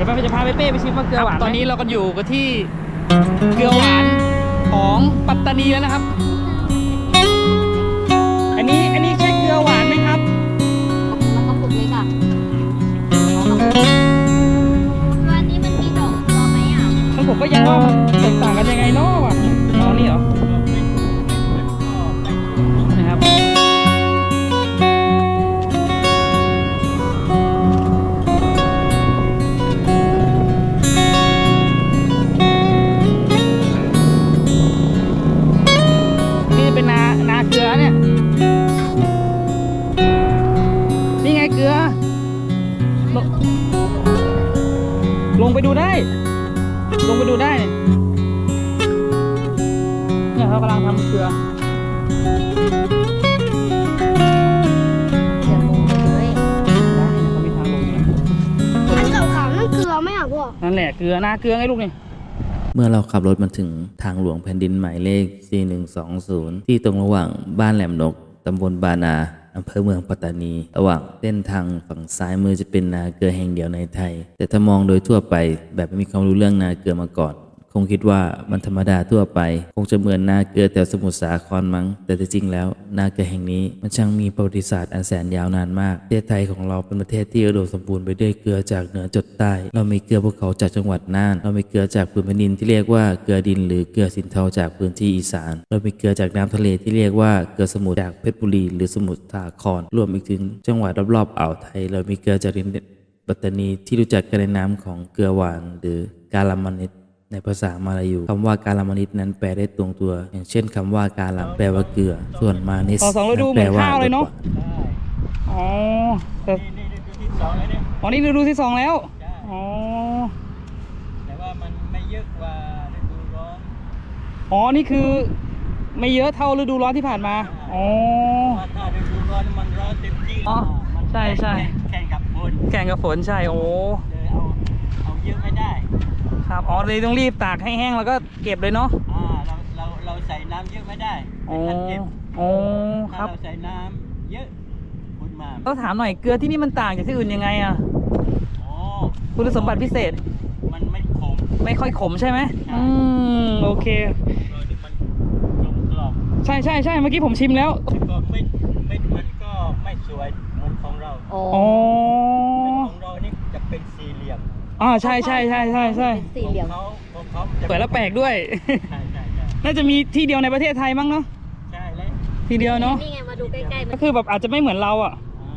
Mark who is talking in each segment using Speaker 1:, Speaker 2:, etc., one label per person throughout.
Speaker 1: ดี๋ยวจะพาเป้ไปชิมว่าเกลือหวานตอนนี้เราก็อยู่กันที่เกลือหวานของปัตตานีแล้วนะครับ อันนี้ใช่เกลือหวานไหมครับ
Speaker 2: มันก็ปุกเล็กอ่ะวันนี้มันมีดอกเกลือไหมอ่ะ
Speaker 1: ผมก็ยังว่ามันแตกต่างกันยังไงเนาะวะเอานี่เหรอนะครับนี่เป็นนาเกลือเนี่ยนี่ไงเกลือลงไปดูได้เนี่ยเขากำลังทำเกลือ
Speaker 2: อย่าลงไปเลย
Speaker 1: ได้นะเขามีทางลงอยู่นะ
Speaker 2: มันขาวๆนั่นเกลือไหมอ่ะพ่อ
Speaker 1: นั่นแหละเกลือนาเกลือไงลูกนี่
Speaker 3: เมื่อเราขับรถมาถึงทางหลวงแผ่นดินหมายเลข 4120 ที่ตรงระหว่างบ้านแหลมนก ตำบลบานาอำเภอเมืองปัตตานี ระหว่างเส้นทางฝั่งซ้ายมือจะเป็นนาเกลือแห่งเดียวในไทย แต่ถ้ามองโดยทั่วไปแบบไม่มีความรู้เรื่องนาเกลือมาก่อนคงคิดว่ามันธรรมดาทั่วไปคงจะเหมือนนาเกลือแถวสมุทรสาครมั้งแต่จริงแล้วนาเกลือแห่งนี้มันช่างมีประวัติศาสตร์อันแสนยาวนานมากประเทศไทยของเราเป็นประเทศที่อุดมสมบูรณ์ไปด้วยเกลือจากเหนือจดใต้เรามีเกลือภูเขาจากจังหวัดน่านเรามีเกลือจากพื้นแผ่นดินที่เรียกว่าเกลือดินหรือเกลือสินเทาจากพื้นที่อีสานเรามีเกลือจากน้ำทะเลที่เรียกว่าเกลือสมุทรจากเพชรบุรีหรือสมุทรสาครรวมอีกถึงจังหวัดรอบๆอ่าวไทยเรามีเกลือจากดินปัตตานีที่รู้จักกันในนามของเกลือหวานหรือกาลามานิดในภาษามาลายูคำว่ากาลามานิดนั้นแปลได้ตรงตัวอย่างเช่นคำว่ากาลัมแปลว่าเกลือส่วนมานิส
Speaker 1: แปลว่าเลยเนาะอ๋อแต่นี่ฤดูที่2แล้วอ๋อ
Speaker 4: แต่ว่ามันไม่เยอะกว่าฤดูร้อน
Speaker 1: อ๋อนี่คือไม่เยอะเท่าฤดูร้อนที่ผ่านมาอ๋อ
Speaker 4: ถ้าฤดูร้อนมันร้อนเต็มที่
Speaker 1: อ๋อใช่
Speaker 4: แข่งกับฝน
Speaker 1: ใช่โอ้
Speaker 4: เลยเอาเยอะไม่ได้
Speaker 1: ครับอ๋อเลยต้องรีบตากให้แห้งแล้วก็เก็บเลยเนาะ
Speaker 4: เราใส่น้ำเยอะไม่ได้
Speaker 1: ทันเก็บ
Speaker 4: ถ้าเราใส่น้ำเยอะคุณมา
Speaker 1: ต้องถามหน่อยเกลือที่นี่มันต่างจากที่อื่นยังไงอ่ะคุณสมบัติพิเศษ
Speaker 4: มันไม่ขม
Speaker 1: ไม่ค่อยขมใช่ไหมโอเค
Speaker 4: มันกรอบ
Speaker 1: ใช่เมื่อกี้ผมชิมแล้ว
Speaker 4: ก็มันก็ไม่สวยเหมือนของเราของเรานี่จะเป็นสี่เหลี่ยม
Speaker 1: ใช่
Speaker 2: สี่เหลี่ยม
Speaker 1: สวยแล้วแปลกด้วยน่าจะมีที่เดียวในประเทศไทยมั้งเนาะ
Speaker 4: ใช่เลย
Speaker 1: ที่เดียวเนาะ
Speaker 2: นี่ไงมาดูใกล้ๆ
Speaker 1: ก็คือแบบอาจจะไม่เหมือนเราอ่ะ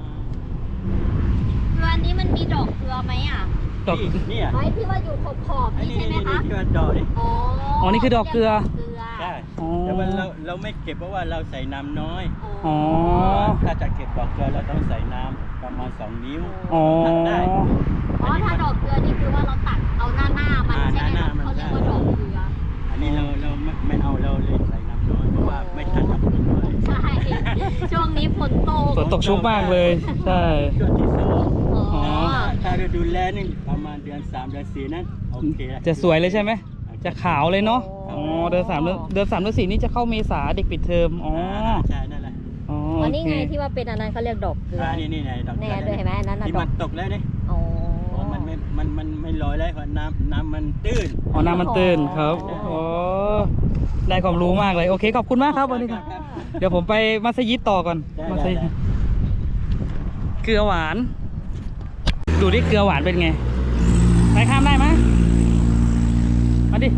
Speaker 2: วันนี้มันมีดอกเกลือไหมอ่ะ
Speaker 1: ดอก
Speaker 4: นี่
Speaker 2: ไม้ที่ว่าอยู่ขอบนี่ใช่ไหมคะ
Speaker 4: ที่ว่าดอกนี่
Speaker 1: อ๋อนี่คือดอกเกลือ
Speaker 4: ใช่แต่ว่าเราไม่เก็บเพราะว่าเราใส่น้ำน้อยถ้าจะเก็บดอกเกลือเราต้องใส่น้ำประมาณ2 นิ้วตักได้
Speaker 2: ถ้าดอกเกลือนี่คือว่าเราตักเอาหน้ามันใช่ไหมเขาเรียกว่าดอกเกลือ
Speaker 4: อันนี้เราไม่เอาเราเลยใส่น้ำน้อยเพราะว่าไม่ทันกับฝนด้วย
Speaker 2: ใช่ช่วงนี้ฝน
Speaker 1: ตกชุกมากเลยใช่
Speaker 4: ช่วงที่ถ้าเราดูแลนี่ประมาณเดือน3เดือน4นั้นโอเค
Speaker 1: จะสวยเลยใช่ไหมจะขาวเลยเนาะเดือน3เดือน4นี่จะเข้าเมษาเด็กปิดเทอม
Speaker 4: ใช่นั่นแหละ
Speaker 2: อันนี้ไงที่ว่าเป็นอันนั้นเขาเรียกดอกเกลือ
Speaker 4: นี่ไงดอกเกลือ
Speaker 2: ด้วยเห็นไหมอันนั้น
Speaker 4: ที่มันตกแล้วนี่มันไม่ลอยแล้วเพราะน้ำมันตื้น
Speaker 1: น้ำมันตื้นครับได้ความรู้มากเลยโอเคขอบคุณมากครับวันนี้ครับเดี๋ยวผมไปมัสยิดต่อก่อนมัสยิดเกลือหวานดูดิเกลือหวานเป็นไงไปข้ามได้ไหมมาดิ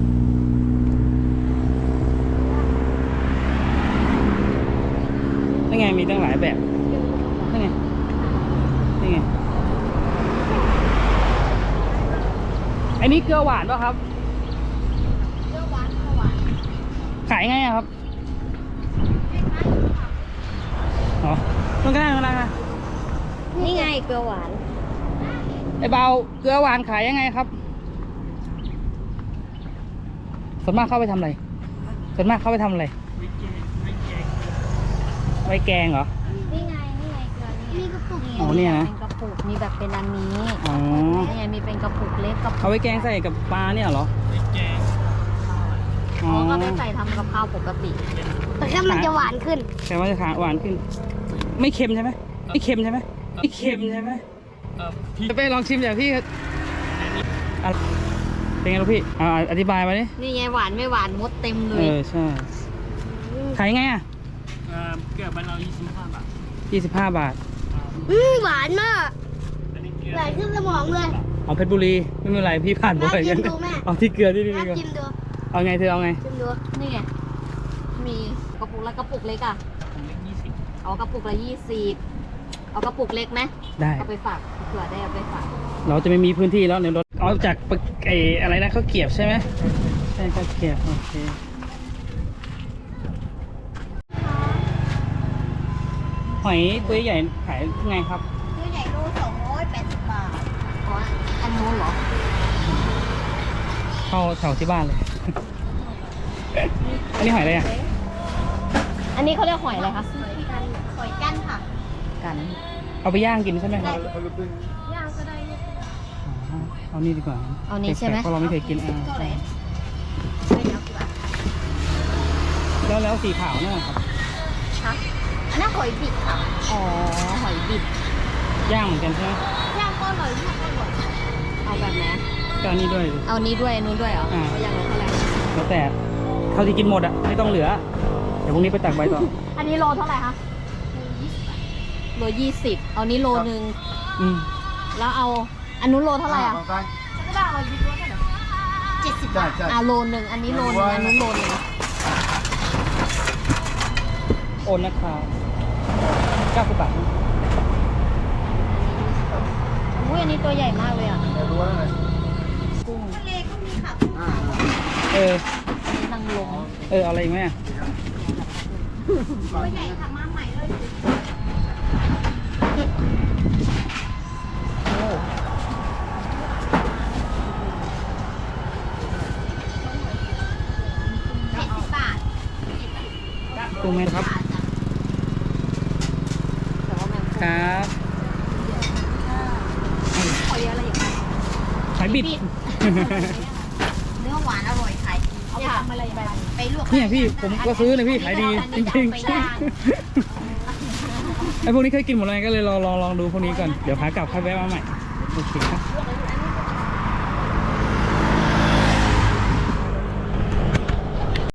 Speaker 1: นี่ไงมีตั้งหลายแบบนี่ไงอันนี้เกลือหวานป่ะครับ
Speaker 2: เกลือหวาน
Speaker 1: ขายไงครับมันก็ได้
Speaker 2: นี่ไงเกลือหวาน
Speaker 1: ไอ้เบาเกลือหวานขายยังไงครับส่วนมากเข้าไปทำอะไรไว้แกงเหรอ
Speaker 2: นี่ไงเกลือนี่กระปุก
Speaker 1: เนี่ยนะ
Speaker 2: เป็นกระปุกมีแบบเป็นอันนี้นี่ไงมีเป็นกระปุกเล็กกระปุก
Speaker 1: เอาไว้แกงใส่กับปลาเนี่ยเหรอ
Speaker 2: ก็ไม่ใส่ทำกับข้าวปกติแต่แค่มันจะหวานขึ้น
Speaker 1: แต่ว่าจะหวานขึ้นไม่เค็มใช่ไหมพี่ไปลองชิมอย่างพี่เป็นไงลูกพี่อธิบายมาดิ
Speaker 2: นี่ไงหวานไม่หวานมดเต็มเล
Speaker 1: เอย อใช่ขายไงอ่ะ
Speaker 4: เกือบเรา25 บาท
Speaker 1: 25 บาท
Speaker 2: หวานมาก
Speaker 4: อันนี้เกลือ
Speaker 2: ไหลขึ้นสมองเลย
Speaker 1: เอาเพชรบุรีไม่เป็นไรพี่ผ่านบ่อย
Speaker 2: แม่
Speaker 1: กัน
Speaker 2: กินดูแม่
Speaker 1: เอาที่เกลือที่นี่
Speaker 2: แม่
Speaker 1: ก่อน
Speaker 2: ชิมดู
Speaker 1: เอาไงเธอเอาไง
Speaker 2: ชิมดูนี่ไงมีกระปุกละกระปุกเล็กอ่ะ
Speaker 4: ผมเล็ก20
Speaker 2: เอากระปุกละ20เอากระปุกเล็กไหม
Speaker 1: ได้
Speaker 2: เอาไปฝากเผื่อได้เอาไปฝาก
Speaker 1: เราจะไม่มีพื้นที่แล้วในรถเอาจากไอ้อะไรนะข้าวเกรียบใช่ไหมใช่ข้าวเกรียบโอเคหอยตัวใหญ่ขายไงครับ
Speaker 2: ตัวใหญ่โล280 บาทอ๋ออันนู้นเหรอ
Speaker 1: เข้าแถวที่บ้านเลย อันนี้หอยอะไรอ่ะ
Speaker 2: อันนี้เขาเรียกหอยอะไรคะหอยกั้นค่ะกัน
Speaker 1: เอาไปย่างกินใช่ไหมครับ
Speaker 2: ย่างก็ได้
Speaker 1: อ๋อเอานี่ดีกว่า
Speaker 2: เอานี่ใช่ไหม
Speaker 1: เพราะเราไม่เคยกินอ่า
Speaker 2: เท่าไหร่
Speaker 1: แล้วสีขาวเนี่ยครับ
Speaker 2: ฮะอันนั้นหอยบิดค่ะอ๋อหอยบิด
Speaker 1: ย่างเหมือนกันใช่ไหม
Speaker 2: ย่างก็อร่อยย่างก็อร่อยเอาแบบไหน
Speaker 1: ก็อันนี้ด้วย
Speaker 2: เอานี้ด้วยนู้นด้วยเหรอเอาอย่างละเท่าไหร่
Speaker 1: แล้วแต่เท่าที่กินหมดอ่ะไม่ต้องเหลือเดี๋ยวพรุ่งนี้ไปตักใบต่อ
Speaker 2: อันนี้โลเท่าไหร่คะโล20เอานี้โลนึง
Speaker 1: อืม
Speaker 2: แล้วเอาอันนู้นโลเท่าไหร่อ่ะ70 บาทโลนึงอันนี้โลนึงอันนู้นโลนึง
Speaker 1: โอนนะครับ90 บาท
Speaker 2: อุ้ยอันนี้ตัวใหญ่มากเลยอ่ะ
Speaker 1: กุ้ง
Speaker 2: ทะเลก็มีค่ะกุ้งขาว
Speaker 1: เออ
Speaker 2: อันนี้นางลม
Speaker 1: เอาอะไรอีกไหมอะ
Speaker 2: ตัวใหญ่ค่ะมาใหม่เลย
Speaker 1: โอ้
Speaker 2: 70 บาท
Speaker 1: กุ้งไหมครับ
Speaker 2: แต่ว่าแมง
Speaker 1: ครับ
Speaker 2: หอยอะไรอีกไหม
Speaker 1: หอยบิด
Speaker 2: เนื้อหวานอร่อยขายดีเอาทำอะไรไปลวก
Speaker 1: เนี่ยพี่ผมก็ซื้อเลยพี่ขายดีจริงๆไอพวกนี้เคยกินหมดเลยก็เลยลองดูพวกนี้ก่อนเดี๋ยวขากลับค่อยแวะมาใหม่โอเคครับ
Speaker 2: ๆ